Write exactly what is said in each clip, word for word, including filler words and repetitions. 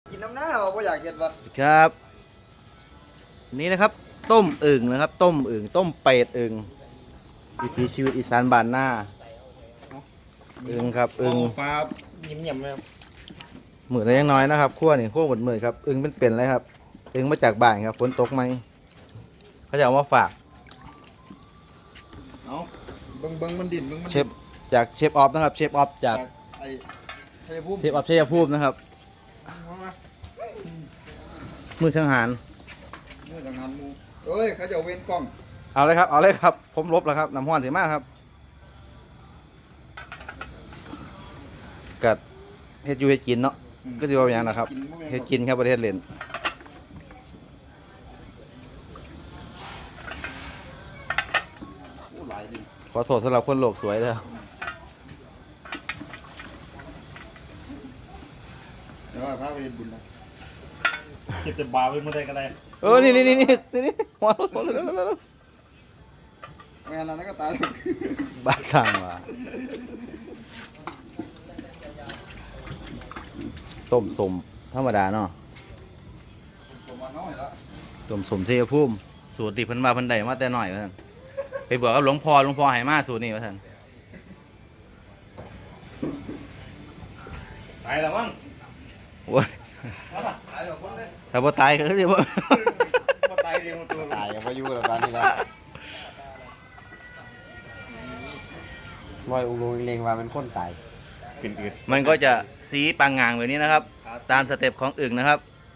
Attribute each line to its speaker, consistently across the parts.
Speaker 1: กินน้ำหน้าเราก็อยากเห็นวะ
Speaker 2: ครับ นี่นะครับต้มอึ่งนะครับ ต้มอึ่งต้มเป็ดอึ่งวิถีชีวิตอีสานบ้านหน้าอึ่งครับอึ่ง
Speaker 1: ฟ้ายิ้มเยี่ยมเลยครับ
Speaker 2: หมื่นละยังน้อยนะครับขั้วนี่ขั้วหมดหมื่นครับอึ่งเป็นเป็นเลยครับอึ่งมาจากบ้านครับฝนตกไหมเขาจะเอามาฝาก
Speaker 1: เอาเบิ้งเบิ้งมันดิ่นเบิ้งมัน
Speaker 2: เชฟจากเชฟออฟนะครับเชฟออฟจาก
Speaker 1: ไอ้ชัยภูมิ
Speaker 2: เชฟออฟชัยภูมินะครับมือสังหาร
Speaker 1: เมื่อทางงานมูเอ้ยเขาจะเอาเว้นกล้อง
Speaker 2: เอาเลยครับเอาเลยครับผมลบแล้วครับน้ำห้อนเสียมากครับกัดเฮ็ดอยู่เฮ็ดกินเนาะก็จะว่าอย่างนะครับเฮ็ดกินครับประเทศเลนขอโทษสำหรับคนโลกสวยเลย
Speaker 1: เดี๋ยวพาไปเห็นบุญนะเก็บแต่บาไปเมื่อใดก็ได้
Speaker 2: เออนี่นี่นี่นี่นี่หัวรถหัวรถแล้วแล้ว
Speaker 1: งานนั้นก็ตาย
Speaker 2: บ้าสั่งว่ะต้มสมธรรมดาเนาะ
Speaker 1: ผมมาน้อยละ
Speaker 2: ต้มสมเชยภูมิสูตรที่เพิ่นมาเพิ่นได้มาแต่น้อยว่าซั่นไปบอกกับหลวงพ่อหลวงพ่อให้มาสูตรนี้ว่าซั่น
Speaker 1: ตายแล้วมั้ง
Speaker 2: โอ้ย
Speaker 1: ตายแล้วคนเลย
Speaker 2: ถ้าบ่ตายก็สิบ่
Speaker 1: มาตายเรียงมาตัว
Speaker 3: ตายกับพายุแล้วกันนี่ละลอยอุโมงค์เลงว่ามันคนตาย
Speaker 1: กินอืด
Speaker 2: มันก็จะสีปางงางแบบนี้นะครับ ตามสเต็ปของอึ่งนะครับ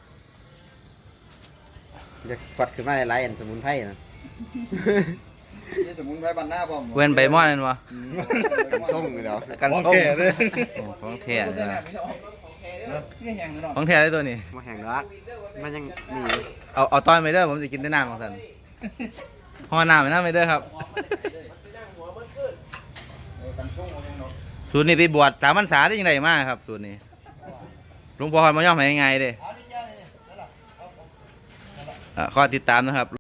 Speaker 3: จะฟัดขึ้นมาในไลน์อันสมุนไพรนะ
Speaker 1: นี่สมุนไพรบันหน้าผม
Speaker 2: เว้นใบม่อนนั่นวะ
Speaker 3: ส่งเดี๋ยว
Speaker 2: กัน
Speaker 1: โอ
Speaker 2: ชง
Speaker 1: เคเลย
Speaker 2: โอ้ของแท้เลยนะ
Speaker 4: นี่แห้งเลยเนาะ
Speaker 2: ของแท้เลยตัวนี้
Speaker 3: มาแห่งรักมันยังมี
Speaker 2: เอาเอาต้อนไปเด้อผมจะกินได้น้ำของท่านห่อน้ำไปน้ำไปเด้อครับ สูตรนี้ไปบวชสามพรรษาได้ยังไงมากครับ สูตรนี้หลวงพ่อมาย่อมให้ยังไงเด้ออ่ะข้อติดตามนะครับ